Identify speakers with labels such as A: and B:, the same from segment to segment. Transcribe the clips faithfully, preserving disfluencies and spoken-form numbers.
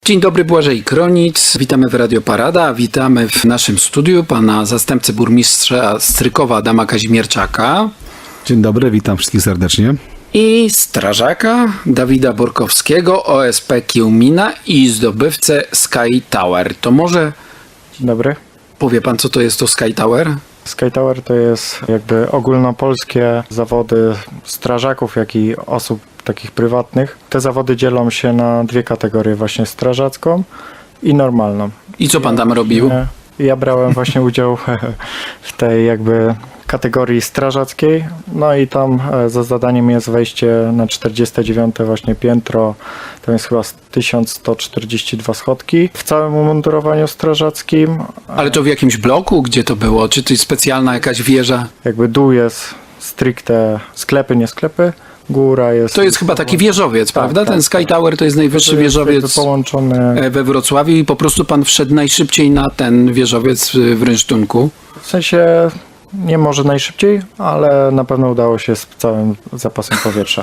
A: Dzień dobry, Błażej Kronic. Witamy w Radio Parada. Witamy w naszym studiu pana zastępcę burmistrza Strykowa Adama Kazimierczaka.
B: Dzień dobry, witam wszystkich serdecznie.
A: I strażaka Dawida Borkowskiego, O S P Kiełmina i zdobywcę Sky Tower. To może
C: Dzień dobry.
A: powie pan, co to jest to Sky Tower?
C: Sky Tower to jest jakby ogólnopolskie zawody strażaków, jak i osób takich prywatnych. Te zawody dzielą się na dwie kategorie, właśnie strażacką i normalną.
A: I co pan tam robił?
C: Ja brałem właśnie udział w tej jakby kategorii strażackiej, no i tam za zadaniem jest wejście na czterdzieste dziewiąte właśnie piętro, tam jest chyba tysiąc sto czterdzieści dwa schodki w całym umundurowaniu strażackim.
A: Ale to w jakimś bloku? Gdzie to było? Czy to jest specjalna jakaś wieża?
C: Jakby dół jest stricte sklepy, nie sklepy, góra jest...
A: To jest chyba taki wieżowiec,
C: tak,
A: prawda?
C: tak,
A: Ten Sky
C: tak.
A: Tower to jest najwyższy
C: To jest
A: wieżowiec
C: jakby połączony...
A: we Wrocławiu i po prostu pan wszedł najszybciej na ten wieżowiec w Rynsztunku.
C: W sensie nie może najszybciej, ale na pewno udało się z całym zapasem powietrza.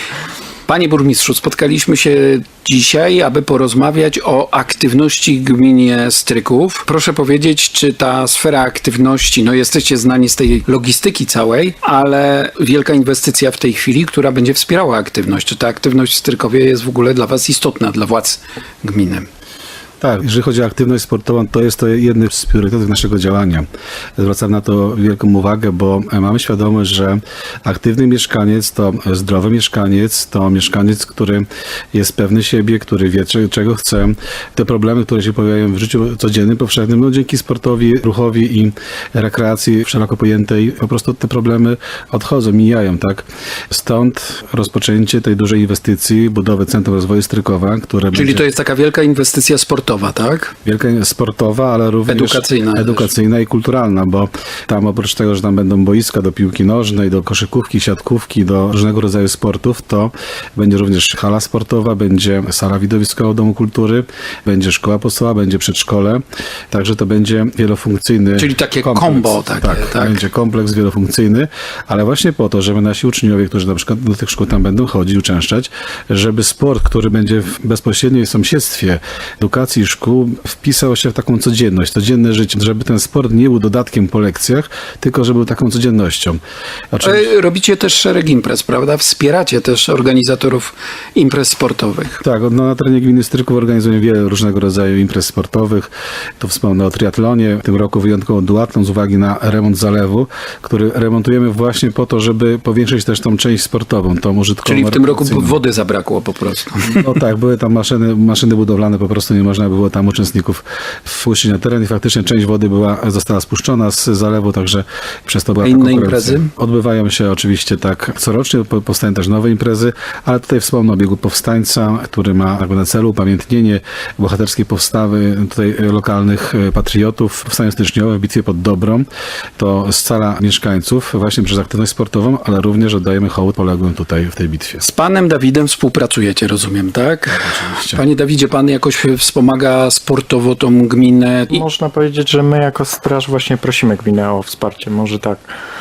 A: Panie burmistrzu, spotkaliśmy się dzisiaj, aby porozmawiać o aktywności w gminie Stryków. Proszę powiedzieć, czy ta sfera aktywności, no jesteście znani z tej logistyki całej, ale wielka inwestycja w tej chwili, która będzie wspierała aktywność. Czy ta aktywność w Strykowie jest w ogóle dla was istotna, dla władz gminy?
B: Tak, jeżeli chodzi o aktywność sportową, to jest to jedny z priorytetów naszego działania. Zwracam na to wielką uwagę, bo mamy świadomość, że aktywny mieszkaniec to zdrowy mieszkaniec, to mieszkaniec, który jest pewny siebie, który wie, czego chce. Te problemy, które się pojawiają w życiu codziennym, powszechnym, no dzięki sportowi, ruchowi i rekreacji szeroko pojętej, po prostu te problemy odchodzą, mijają, tak? Stąd rozpoczęcie tej dużej inwestycji, budowy Centrum Rozwoju Strykowa, które
A: Czyli
B: będzie...
A: to jest taka wielka inwestycja sportowa, tak?
B: Wielka sportowa, ale również
A: Edukacyjna
B: edukacyjna i kulturalna, bo tam oprócz tego, że tam będą boiska do piłki nożnej, do koszykówki, siatkówki, do różnego rodzaju sportów, to będzie również hala sportowa, będzie sala widowiskowa Domu Kultury, będzie szkoła podstawowa, będzie przedszkole, także to będzie wielofunkcyjny
A: Czyli takie
B: kompleks.
A: kombo takie,
B: tak,
A: tak.
B: Będzie kompleks wielofunkcyjny, ale właśnie po to, żeby nasi uczniowie, którzy na przykład do tych szkół tam będą chodzić, uczęszczać, żeby sport, który będzie w bezpośredniej sąsiedztwie edukacji i szkół, wpisał się w taką codzienność, codzienne życie, żeby ten sport nie był dodatkiem po lekcjach, tylko żeby był taką codziennością. Oczywiście...
A: Robicie też szereg imprez, prawda? Wspieracie też organizatorów imprez sportowych.
B: Tak, no, na terenie gminy Stryków organizujemy wiele różnego rodzaju imprez sportowych. Tu wspomnę o triatlonie, w tym roku wyjątkowo duatlon z uwagi na remont zalewu, który remontujemy właśnie po to, żeby powiększyć też tą część sportową, tą użytkową.
A: Czyli w tym roku wody zabrakło po prostu.
B: No tak, były tam maszyny, maszyny budowlane, po prostu nie można było tam uczestników wpuścić na teren i faktycznie część wody była, została spuszczona z zalewu, także przez to była
A: A
B: ta
A: inne
B: konkurencja.
A: imprezy?
B: Odbywają się oczywiście tak corocznie, po- powstają też nowe imprezy, ale tutaj wspomnę o biegu powstańca, który ma jakby na celu upamiętnienie bohaterskiej powstawy tutaj lokalnych patriotów. Powstanie styczniowe w bitwie pod Dobrą. To scala mieszkańców właśnie przez aktywność sportową, ale również oddajemy hołd poległym tutaj w tej bitwie.
A: Z panem Dawidem współpracujecie, rozumiem, tak?
B: Oczywiście.
A: Panie Dawidzie, pan jakoś wspomaga sportowo tą gminę? I
C: Można powiedzieć, że my jako straż właśnie prosimy gminę o wsparcie, może tak.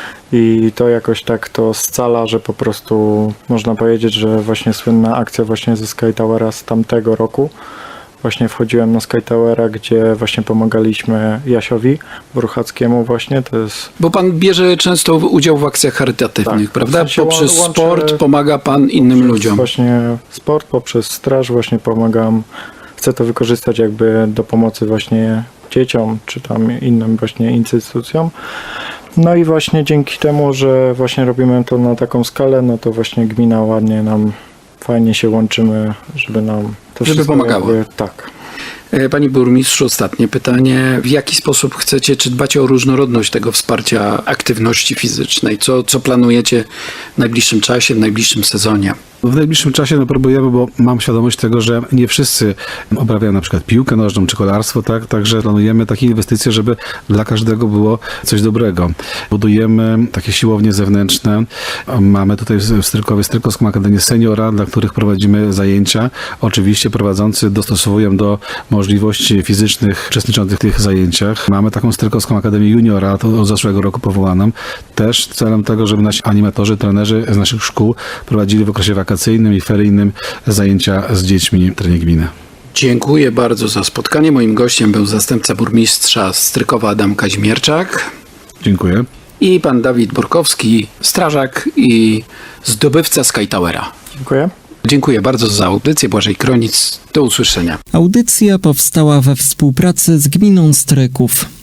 C: I to jakoś tak to scala, że po prostu można powiedzieć, że właśnie słynna akcja właśnie ze Sky Towera z tamtego roku. Właśnie wchodziłem na Sky Towera, gdzie właśnie pomagaliśmy Jasiowi Bruchackiemu właśnie, to jest...
A: Bo pan bierze często udział w akcjach charytatywnych,
C: Tak,
A: prawda?
C: w sensie
A: Poprzez
C: łączę-
A: sport pomaga pan innym
C: Poprzez
A: ludziom.
C: Właśnie sport, poprzez straż właśnie pomagam. Chcę to wykorzystać jakby do pomocy właśnie dzieciom, czy tam innym właśnie instytucjom. No i właśnie dzięki temu, że właśnie robimy to na taką skalę, no to właśnie gmina ładnie nam, fajnie się łączymy, żeby nam to
A: Żeby
C: wszystko
A: pomagało.
C: jakby, tak.
A: E, Panie burmistrzu, ostatnie pytanie. W jaki sposób chcecie, czy dbacie o różnorodność tego wsparcia aktywności fizycznej? Co, co planujecie w najbliższym czasie, w najbliższym sezonie?
B: W najbliższym czasie no, próbujemy, bo mam świadomość tego, że nie wszyscy uprawiają na przykład piłkę nożną czy kolarstwo, tak? Także planujemy takie inwestycje, żeby dla każdego było coś dobrego. Budujemy takie siłownie zewnętrzne. Mamy tutaj w Strykowie Strykowską Akademię Seniora, dla których prowadzimy zajęcia. Oczywiście prowadzący dostosowują do możliwości fizycznych uczestniczących w tych zajęciach. Mamy taką Strykowską Akademię Juniora, to od zeszłego roku powołaną, też celem tego, żeby nasi animatorzy, trenerzy z naszych szkół prowadzili w okresie wakacyjnym i feryjnym zajęcia z dziećmi w terenie gminy.
A: Dziękuję bardzo za spotkanie. Moim gościem był zastępca burmistrza Strykowa Adam Kazimierczak
B: Dziękuję.
A: i pan Dawid Borkowski, strażak i zdobywca Sky Towera.
C: Dziękuję.
A: Dziękuję bardzo za audycję. Błażej Kronic. Do usłyszenia.
D: Audycja powstała we współpracy z gminą Stryków.